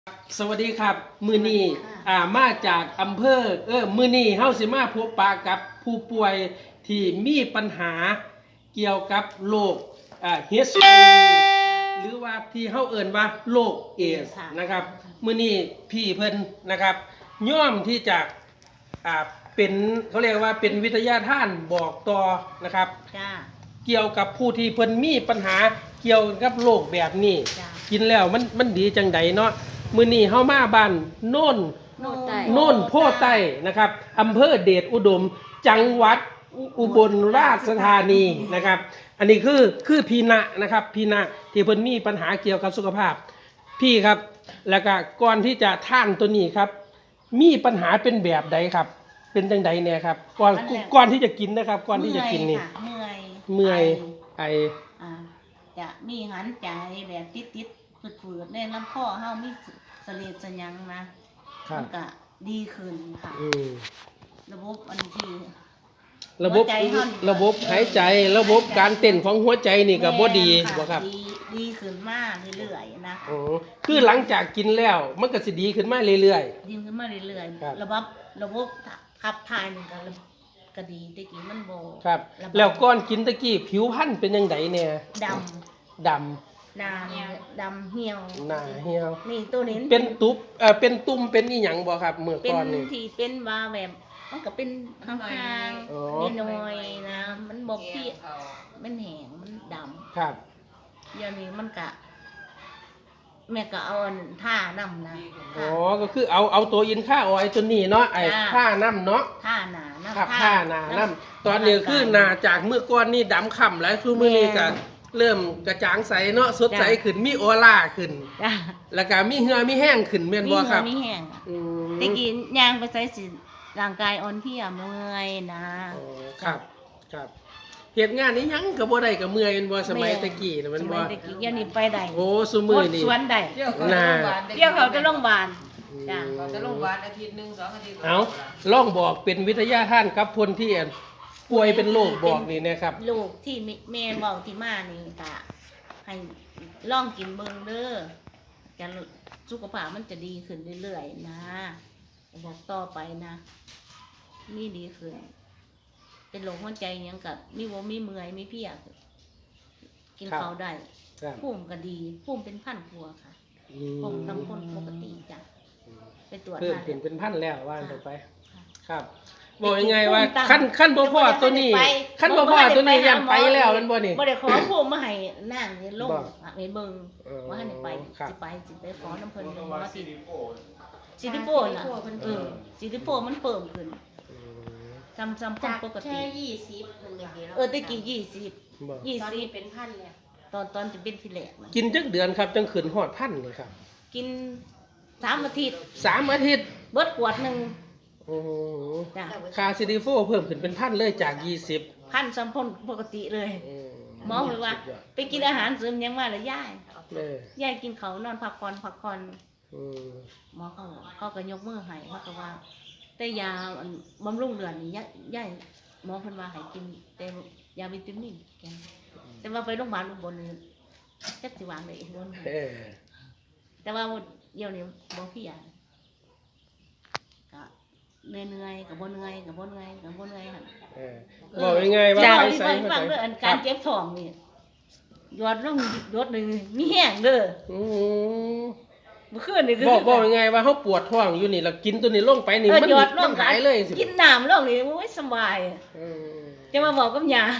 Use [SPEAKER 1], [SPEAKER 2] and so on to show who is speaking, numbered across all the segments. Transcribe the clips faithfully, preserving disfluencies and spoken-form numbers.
[SPEAKER 1] สวัสดีครับมือนี้อ่ามาจากอำเภอเออมือนี้เฮาสิมาพบปะกับผู้ป่วยที่มีปัญหาเกี่ยวกับโรคอ่า เอช ไอ วี หรือว่าที่เฮาเอิ้นว่าโรคเอดส์นะครับมือนี้พี่เพิ่นนะครับย่อมที่จะอ่าเป็นเขาเรียกว่าเป็นวิทยาทานบอกต่อนะครับจ้าเกี่ยวกับผู้ที่เพิ่นมีปัญหาเกี่ยวกับโรคแบบนี้กินแล้วมันมันดีจังใดเนาะมื้อนี้เฮามาบ้านโน่นโน่นโพใต้นะครับอำเภอเดชอุดมจังหวัดอุบลราชธานีนะครับอันนี้คือคือพีณะนะครับพีณะที่เพิ่นมีปัญหาเกี่ยวกับสุขภาพพี่ครับแล้วก็ก่อนที่จะท่านตัวนี้ครับมีปัญหาเป็นแบบใดครับเป็นจังใดเนี่ยครับก่อนก่อนที่จะกินนะครับก่อนที่จะกินนี่
[SPEAKER 2] เมื่อย
[SPEAKER 1] เมื่อยไอ
[SPEAKER 2] อ่าจะมีหันใจแบบติดๆฝืดๆในลำคอเฮามีเสลดสยังนะมันก็ดีขึ้นค่ะระบบอันที่
[SPEAKER 1] ระบบระบบหายใจระบบการเต้นของหัวใจนี่ก็บ่ดีบ่ครับ
[SPEAKER 2] ดีดีขึ้นมากเรื่อยๆนะ
[SPEAKER 1] อ๋อคือหลังจากกินแล้วมันก็สิดีขึ้นมาเรื่อย
[SPEAKER 2] ๆดีขึ้นมาเรื่อยๆระบบระบบขับถ่ายนี่ก็ก็ดีตะกี้มันบ่
[SPEAKER 1] ครับแล้วก่อนกินตะกี้ผิวพรรณเป็นจังไดแน่
[SPEAKER 2] ด
[SPEAKER 1] ำดำ
[SPEAKER 2] หน้าดำเหี่ยว
[SPEAKER 1] หน้าเหี่ยว
[SPEAKER 2] นี่ตัวนี้
[SPEAKER 1] เป็นตุบเอ่อเป็นตุ่มเป็นอีหยังบ่ครับเมื่อก่อนนี่
[SPEAKER 2] เป็นที่เป็นว่าแบบมันก็เป็นห่างๆนิดหน่อยนะมันบ่พี่มันแห้งมันดำ
[SPEAKER 1] ครับ
[SPEAKER 2] เดี๋ยวนี้มันก็แม่ก็เอาท่าน้ำนะ
[SPEAKER 1] อ๋อก็คือเอาเอาตัวอินค่าออยตัวนี้เนาะไอ้ท่าน้ำเนาะ
[SPEAKER 2] ท่าหนา
[SPEAKER 1] ครับท่าหนาน้ำตอนนี้คือหนาจากเมื่อก่อนนี่ดำค่ำแล้วคือมื้อนี้ก็เริ่มกระจ่างใสเนาะสดใสขึ้นมีออร่าขึ้นแล้วก็มีเหือมีแห้งขึ้นแม่นบ่ครับ
[SPEAKER 2] มีแห้งตะกี้ย่างไปใส่สิร่างกายอ่อนเพลียเมื่อยนะ
[SPEAKER 1] ครับครับเฮ็ดงานนี้ยังก็บ่ได้ก็เมื่อยแม่นบ่สมัยตะกี้น่ะมันบ่
[SPEAKER 2] ตะกี้เดี๋ยวนี้ไปได้
[SPEAKER 1] โอ้ซุมื้อนี่
[SPEAKER 2] สวนได้
[SPEAKER 1] น่ะ
[SPEAKER 2] เดี๋ยวเขาจะโรงพยาบาล
[SPEAKER 3] จ้ะเขาจะโรงพยาบาลอาทิตย์นึงสองอาทิตย์
[SPEAKER 1] เอ้าลองบอกเป็นวิทยาทานกับคนที่ป่วยเป็นโรคบอกนี่นะครับ
[SPEAKER 2] โรคที่แม่เว้าที่มานี่ก็ให้ลองกินเบิ่งเด้อจะสุขภาพมันจะดีขึ้นเรื่อยๆนะบอกต่อไปนะมีดีขึ้นเป็นโรคหัวใจยังกับมีวมีเมื่อยมีเพียกินข้าวได้ภูมิก็ดีภูมิเป็นพันกว่าค่ะภูมิตำคนปกติจ้ะไปตรวจมา
[SPEAKER 1] เป็นเป็นพันแล้วว่าต่อไปครับบอกยังไงว่าขั้นขั้นบ่พอตัวนี้ขั้นบ่พอตัวนี้ยันไปแล้วมันบ่นี่
[SPEAKER 2] บ่ได้ขอภูมิมาให้นั่งนี่ลงให้เบิ่งว่าให้ไปสิไปสิไปขอน้ำเพิ่นว่าสิซิลิโคนน่ะเออซิลิโคนมันเพิ่มขึ้นจำจำคนปกติ
[SPEAKER 3] แค่ยี่สิบนึงอย่างเดียว
[SPEAKER 2] เออตะกี้ยี่สิบยี่สิบ
[SPEAKER 3] เป็นพันเลย
[SPEAKER 2] ตอนตอนจะเป็นทีแรก
[SPEAKER 1] กินจักเดือนครับจังขึ้นฮอดพันนี่ครับ
[SPEAKER 2] กินสามอาทิตย์
[SPEAKER 1] สามอาทิตย์
[SPEAKER 2] เบิดขวดนึง
[SPEAKER 1] โอ้โหค่าซิลิโฟเพิ่มขึ้นเป็นพันเลยจากยี่สิบ
[SPEAKER 2] พันจำคนปกติเลยหมอบอกว่าไปกินอาหารเสริมยังมาแล้วย่ายย่ายกินเขานอนพักผ่อนพักผ่อนหมอเขาเขาก็ยกมือให้เขาก็ว่าแต่ยาบำรุงเดือนนี่ย่ายหมอเพิ่นว่าให้กินแต่ยาวิตามินแกแต่ว่าไปโรงพยาบาลอุบลนี่จักสิวางได้บ่แต่ว่าเดี๋ยวนี้บ่พี่ยาก็เหนื่อยๆก็บ่เหนื่อยก็บ่เหนื่อยก็บ่เหนื่อยหั่น
[SPEAKER 1] เออบอกยังไงว่า
[SPEAKER 2] ไปใส่ฟังเด้ออันการเจ็บท้องนี่ยอดลงยอดนึงมีแห้งเด้ออือเมื่อคืนนี่คือ
[SPEAKER 1] บอกบอกยังไงว่าเฮาปวดท้องอยู่นี่แล้วกินตัวนี้ลงไปนี่มันมันหายเลยสิ
[SPEAKER 2] กินน้ำลงนี่โอ้ยสบายอือจะมาบอกกับยา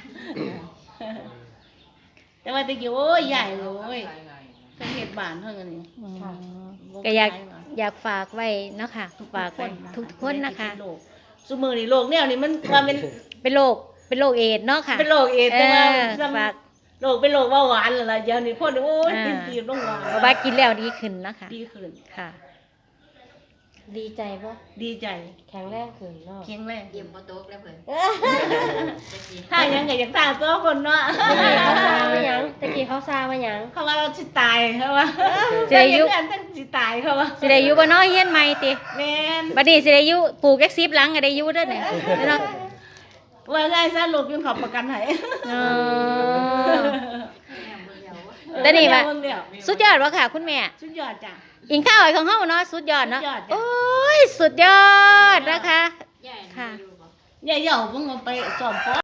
[SPEAKER 2] แต่ว่าตะกี้โอ้ยใหญ่โอ้ยเพิ่นเฮ็ดบ้านเพิ่นนี่
[SPEAKER 4] ก็อยากอยากฝากไว้เนาะค่ะฝากไว้ทุกคนนะคะ
[SPEAKER 2] ซุมื้อนี้โรคแนวนี้มันว่าเป็น
[SPEAKER 4] เป็นโรคเป็นโรคเอดส์เนาะค่ะ
[SPEAKER 2] เป็นโรคเอดส์แต่ว่าฝากโรคเป็นโรคเบาหวานล่ะเดี๋ยวนี้คนโอ้ยกินตีบลงหวาน
[SPEAKER 4] เพราะว่ากินแล้วดีขึ้นนะคะ
[SPEAKER 2] ดีขึ้น
[SPEAKER 4] ค่ะ
[SPEAKER 3] ดีใจบ่
[SPEAKER 2] ดีใจ
[SPEAKER 3] แข็งแรงขึ้นเนาะ
[SPEAKER 2] แข็งแรง
[SPEAKER 3] เยี่ยมบ่ตกแล้วเพิ่น
[SPEAKER 2] ถ้ายังก็อยากตายตัวคนเนาะ
[SPEAKER 3] เขาซามาหยังตะกี้เขาซามาหยัง
[SPEAKER 2] เขาว่าเราสิตายเขาว่าสิได้อยู่อันตั้งสิตายเขาว่า
[SPEAKER 4] สิได้อยู่บ่เนาะเฮียนใหม่ติ
[SPEAKER 2] แม่น
[SPEAKER 4] บัดนี้สิได้อยู่ปลูกจักสิบหลังก็ได้อยู่เด้อเนี่ยเนาะ
[SPEAKER 2] ว่าไงซะลูกยังขอประกันให้
[SPEAKER 4] อ๋อแต่นี่ว่าสุดยอดบ่ค่ะคุณแม่
[SPEAKER 2] สุดยอดจ้ะ
[SPEAKER 4] อิงข้าวไอ้ของเฮาเนาะสุดยอดเนาะ
[SPEAKER 2] สุดยอดจ้ะ
[SPEAKER 4] โอ้ยสุดยอดนะคะ ค่ะ
[SPEAKER 2] ยายเหย่าเพิ่งเอาไปสอบปอ